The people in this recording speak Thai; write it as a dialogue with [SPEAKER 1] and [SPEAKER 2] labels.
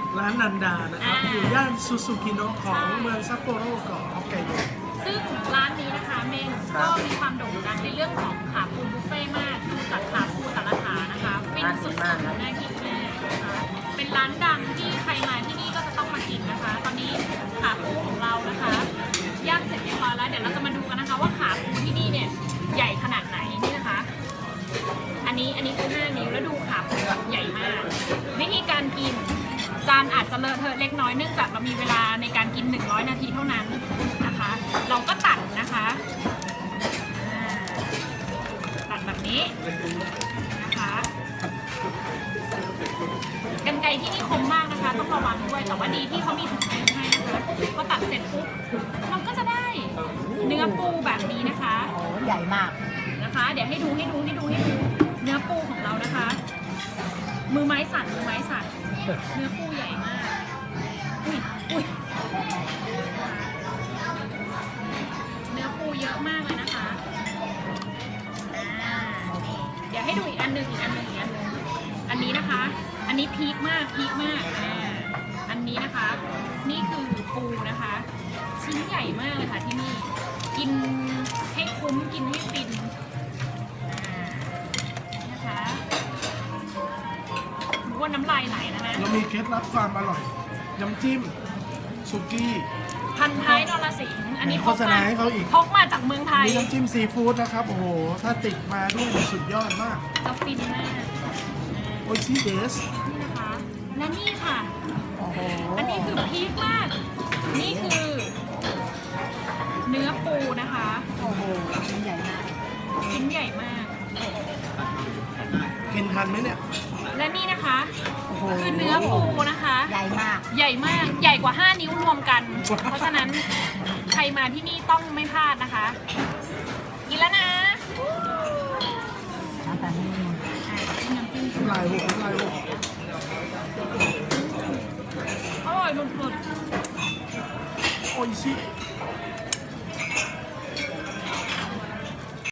[SPEAKER 1] ร้านนันดานะครับอยู่ย่านซูซูกิโนะของเมืองซัปโปโรเกาะฮอกไกโด
[SPEAKER 2] ซึ่งร้านนี้นะคะเมงก็มีความโด่งดังในเรื่องของขาปูบุฟเฟ่ต์มากดูจากขาปูแต่ละขานะคะฟินสุดๆน่ากินมากนะคะเป็นร้านดังที่ใครมาที่นี่ก็จะต้องมากินนะคะ ตอนนี้ขาปูของเรานะคะย่างเสร็จเรียบร้อยแล้วเดี๋ยวเราจะมาดูกันนะคะว่าขาปูที่นี่เนี่ยใหญ่ขนาดไหนนี่นะคะ อันนี้คือ5 นิ้วแล้วดูขาปูแบบใหญ่มากวิธีการกินจานอาจจะเลอะเทอะเล็กน้อยเนื่องจากเรามีเวลาในการกิน100 นาทีเท่านั้นนะคะ เราก็ตัดนะคะตัดแบบนี้นะคะกรรไกรที่นี่คมมากนะคะต้องระวังด้วยแต่ว่าดีที่เขามีถุงมือให้นะคะพอตัดเสร็จปุ๊บเราก็จะได้เนื้อปูแบบนี้นะคะ
[SPEAKER 3] โอ้ใหญ่มาก
[SPEAKER 2] นะคะ เดี๋ยวให้ดูเนื้อปูของเรานะคะ มือไม้สั่นเนื้อปูใหญ่มากอุ้ยเนื้อปูเยอะมากเลยนะคะเดี๋ยวให้ดูอีกอันหนึ่งอันนี้นะคะ อันนี้พีคมากอันนี้นะคะ นี่คือปูนะคะชิ้นใหญ่มากเลยค่ะที่นี่กินให้คุ้มกินให้ฟินนะคะว่าน้ำลายไหลนะฮะ
[SPEAKER 1] เรามีเคล็ดลับความอร่อยน้ำจิ้มสุกี้
[SPEAKER 2] พันท้ายนรสิงห์อันนี้
[SPEAKER 1] โฆษณาให้เขาอีก
[SPEAKER 2] พกมาจากเมืองไทย
[SPEAKER 1] มีน้ำจิ้มซีฟู้ดนะครับโอ้โหถ้าติดมาด้วยนี่สุดยอดมาก
[SPEAKER 2] จะฟินมาก
[SPEAKER 1] โอชิเดส
[SPEAKER 2] นี่นะคะและนี่ค่ะ
[SPEAKER 1] โอ้โห
[SPEAKER 2] อันนี้คือพีคมากนี่คือเนื้อปูนะคะ
[SPEAKER 3] โอ้โหชิ้นใหญ่มาก
[SPEAKER 2] ชิ้นใหญ่มาก
[SPEAKER 1] กินทันไหมเนี่ย
[SPEAKER 2] และนี่นะคะ
[SPEAKER 1] โอ้โห
[SPEAKER 2] คือเนื้อปูนะคะ
[SPEAKER 3] ใหญ่มาก
[SPEAKER 2] ใหญ่มากใหญ่กว่า5 นิ้วรวมกัน เพราะฉะนั้นใครมาที่นี่ต้องไม่พลาดนะคะกินแล้วนะ
[SPEAKER 3] น้ำตาลนี่
[SPEAKER 2] น้ำจิ้ม
[SPEAKER 1] น้ำลายหกน้ำลายหก
[SPEAKER 2] อร่อยสุด
[SPEAKER 1] โอชิ
[SPEAKER 2] ๆ